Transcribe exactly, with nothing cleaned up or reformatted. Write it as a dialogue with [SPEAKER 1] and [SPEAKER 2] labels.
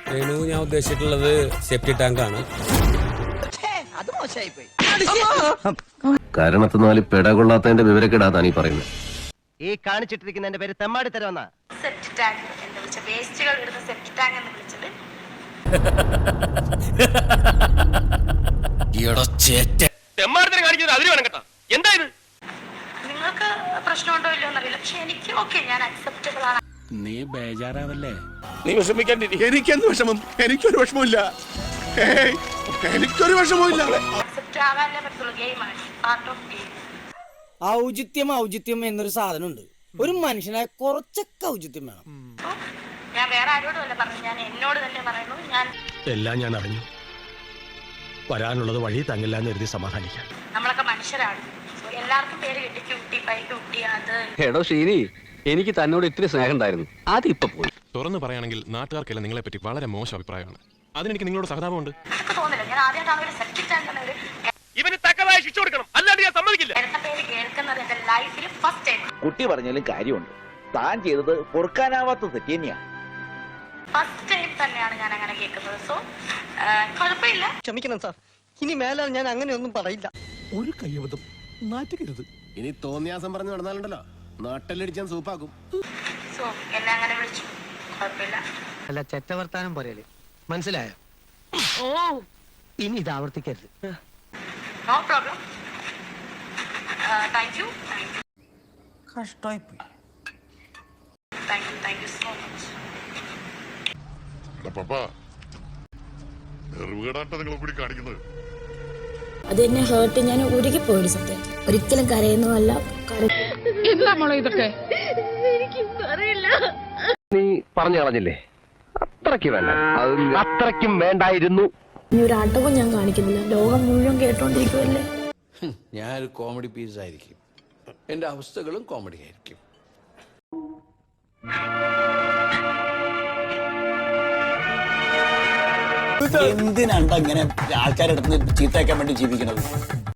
[SPEAKER 1] രേണു ഞാൻ ഉദ്ദേശിച്ചിട്ടുള്ളത് സെപ്റ്റി ടാങ്ക് ആണ്.
[SPEAKER 2] കാരണത്തിനാല് പെട കൊള്ളാത്തതിന്റെ വിവരക്കെടാതാണ് ഈ പറയുന്നത്.
[SPEAKER 3] ഈ കാണിച്ചിട്ടിരിക്കുന്നതിന്റെ പേര് തെമ്മാടി തരവെന്നാ.
[SPEAKER 4] സെപ്റ്റി ടാങ്ക് എന്ന് വിളിച്ച വേസ്റ്റുകൾ ഇടുന്ന സെപ്റ്റി ടാങ്ക് എന്ന് വിളിച്ചത്. നിങ്ങൾക്ക് പ്രശ്നമുണ്ടോ ഇല്ലയോ എന്നറിയില്ല, പക്ഷെ എനിക്ക് ഓക്കെ, ഞാൻ അക്സെപ്റ്റബിൾ ആണ്.
[SPEAKER 1] നീ ബേജാറാവല്ലേ?
[SPEAKER 5] നീ വിഷമിക്കാണ്ടിരി. എനിക്കെന്ത് വിഷമം? എനിക്കൊരു വിഷമമില്ല. എനിക്കൊരു വിഷമമില്ല.
[SPEAKER 4] അക്സെപ്റ്റ് ആവാനേ പറ്റുള്ളൂ. ഗെയിമാണ്, പാർട്ട് ഓഫ് ഗെയിം.
[SPEAKER 6] ഔചിത്യം ഔചിത്യം എന്നൊരു സാധനമുണ്ട്. ഒരു മനുഷ്യനായ കുറച്ചൊക്കെ ഔചിത്യം വേണം.
[SPEAKER 4] ഞാൻ വേറെ ആരോടും അല്ല പറഞ്ഞു, ഞാൻ എന്നോട് തന്നെ പറയുന്നു. ഞാൻ
[SPEAKER 7] എല്ലാം ഞാൻ അറിഞ്ഞു. വരാനുള്ളത് വഴി തങ്ങില്ല എന്ന് എഴുതി സമാധാനിക്കാം.
[SPEAKER 4] നമ്മളൊക്കെ മനുഷ്യരാണ്. എല്ലാവർക്കും പേര് കിട്ടി, ക്യൂട്ടി പൈ ക്യൂട്ടി അത്.
[SPEAKER 8] എടോ ശ്രീനി, എനിക്ക് തന്നോട് ഇത്തിരി സ്നേഹം ഉണ്ടായിരുന്നു, അതിപ്പോ പോയി.
[SPEAKER 9] തുറന്നു പറയുകയാണെങ്കിൽ നാട്ടുകാർക്കെല്ലാം നിങ്ങളെ പറ്റി വളരെ മോശം അഭിപ്രായമാണ്. അതിനെനിക്ക് നിങ്ങളോട് സഹതാപമുണ്ട്.
[SPEAKER 4] എനിക്ക് തോന്നില്ല, ഞാൻ ആദ്യമായിട്ടാണ് ഒരു സെപ്റ്റിക് ടാങ്ക് എന്ന ഒരു
[SPEAKER 5] ഇവന് തക്കതായ ശിക്ഷ കൊടുക്കണം, അല്ലാണ്ട് ഞാൻ സമ്മതിക്കില്ല.
[SPEAKER 4] എന്റെ പേര് കേൾക്കുന്നത് എന്റെ ലൈഫിൽ ഫസ്റ്റ് ടൈം.
[SPEAKER 10] കുട്ടി പറഞ്ഞാലും കാര്യമുണ്ട്. താൻ ചെയ്തത് പൊറുക്കാനാവാത്ത തെറ്റ് തന്നെയാണ്.
[SPEAKER 4] ഫസ്റ്റ് ടൈം തന്നെയാണ് ഞാൻ അങ്ങനെ കേൾക്കുന്നത്. സോ കുഴപ്പമില്ല.
[SPEAKER 3] ക്ഷമിക്കണം സാർ, ഇനി മേലാൽ ഞാൻ അങ്ങനെയൊന്നും പറയില്ല.
[SPEAKER 7] ഒരു കയ്യബദ്ധം നാറ്റുകരുത്.
[SPEAKER 2] ഇനി തോന്നിയാസം പറഞ്ഞു നടന്നാലുണ്ടല്ലോ നാട്ടിലടിച്ചാൻ സൂപ്പാക്കും.
[SPEAKER 4] സോ എന്നെ അങ്ങനെ വിളിച്ചു, കുഴപ്പമില്ല.
[SPEAKER 3] അല്ല, ചെറ്റവർത്താനം പോരല്ലേ, മനസ്സിലായോ?
[SPEAKER 4] ഓ,
[SPEAKER 3] ഇനി ഇത് ആവർത്തിക്കരുത്.
[SPEAKER 4] No problem. Thank you thank you
[SPEAKER 6] കഷ്ടമായി പോയി.
[SPEAKER 4] Thank you thank you so much.
[SPEAKER 11] അത് എന്നെ ഹേർട്ട്, ഞാൻ ഉരുകി പോയി സത്യം. ഒരിക്കലും കരയുന്നതല്ല.
[SPEAKER 2] നീ പറഞ്ഞു കളഞ്ഞില്ലേ? അത്രയ്ക്ക് വേണ്ട, അത്രയ്ക്കും വേണ്ടായിരുന്നു.
[SPEAKER 11] ഇനി ഒരു ആട്ടവും ഞാൻ കാണിക്കുന്നില്ല. ലോകം മുഴുവൻ കേട്ടോണ്ടിരിക്കുമല്ലേ.
[SPEAKER 1] ഞാനൊരു കോമഡി പീസ് ആയിരിക്കും, എന്റെ അവസ്ഥകളും കോമഡി ആയിരിക്കും.
[SPEAKER 10] എന്തിനാണ്ട് അങ്ങനെ ആൾക്കാരുടെ അടുത്ത് ചീത്തയാക്കാൻ വേണ്ടി ജീവിക്കുന്നത്?